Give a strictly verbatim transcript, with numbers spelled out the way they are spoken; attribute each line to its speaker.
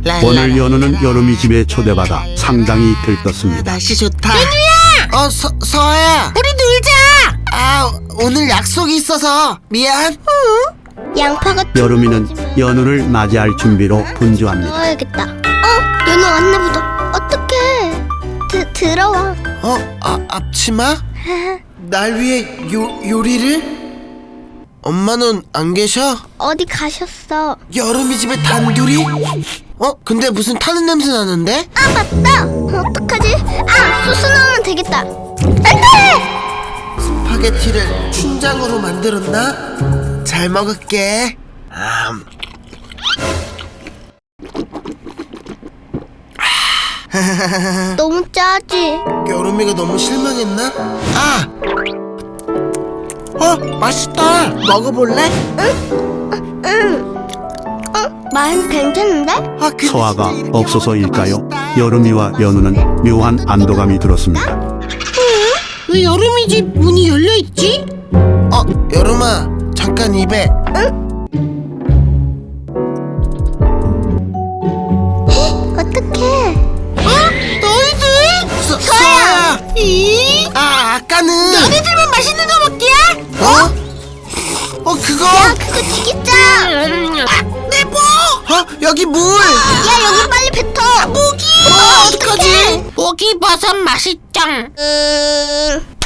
Speaker 1: 오늘 연우는 여름이 집에 초대받아 상당히 들떴습니다.
Speaker 2: 날씨 좋다. 연우야! 어, 서, 서아야. 우리 놀자. 아, 오늘 약속이 있어서 미안.
Speaker 3: 양파가
Speaker 1: 여름이는 연우를 맞이할 준비로 분주합니다.
Speaker 3: 넣어야겠다. 어? 연우 왔나 보다. 어떡해. 드, 들어와.
Speaker 2: 어, 아, 앞치마? 날 위해 요, 요리를? 엄마는 안 계셔?
Speaker 3: 어디 가셨어?
Speaker 2: 여름이 집에 단둘이? 어? 근데 무슨 타는 냄새 나는데?
Speaker 3: 아 맞다. 어떡하지? 아 소스 넣으면 되겠다. 안돼.
Speaker 2: 스파게티를 춘장으로 만들었나? 잘 먹을게. 음.
Speaker 3: 너무 짜지.
Speaker 2: 여름이가 너무 실망했나? 아! 어? 맛있다. 먹어볼래?
Speaker 3: 어? 맛은 괜찮은데?
Speaker 2: 아, 근데
Speaker 1: 서아가
Speaker 2: 진짜 이렇게
Speaker 1: 없어서일까요?
Speaker 2: 먹으니까 맛있다.
Speaker 1: 여름이와 연우는 묘한 안도감이 들었습니다.
Speaker 2: 왜 여름이 집 문이 열려있지? 어, 여름아, 잠깐 입에.
Speaker 3: 어떡해.
Speaker 2: 어? 너희들? 서, 서아야! 이? 아, 아까는 너희들만 맛있는 거 먹기야? 어? 어, 그거?
Speaker 3: 야 그거 되게 짜.
Speaker 2: 내 뭐? 어? 여기 물!
Speaker 3: 야 여기 빨리 뱉어.
Speaker 2: 모기! 어, 어떡하지?
Speaker 3: 모기 버섯 맛있짱. 음...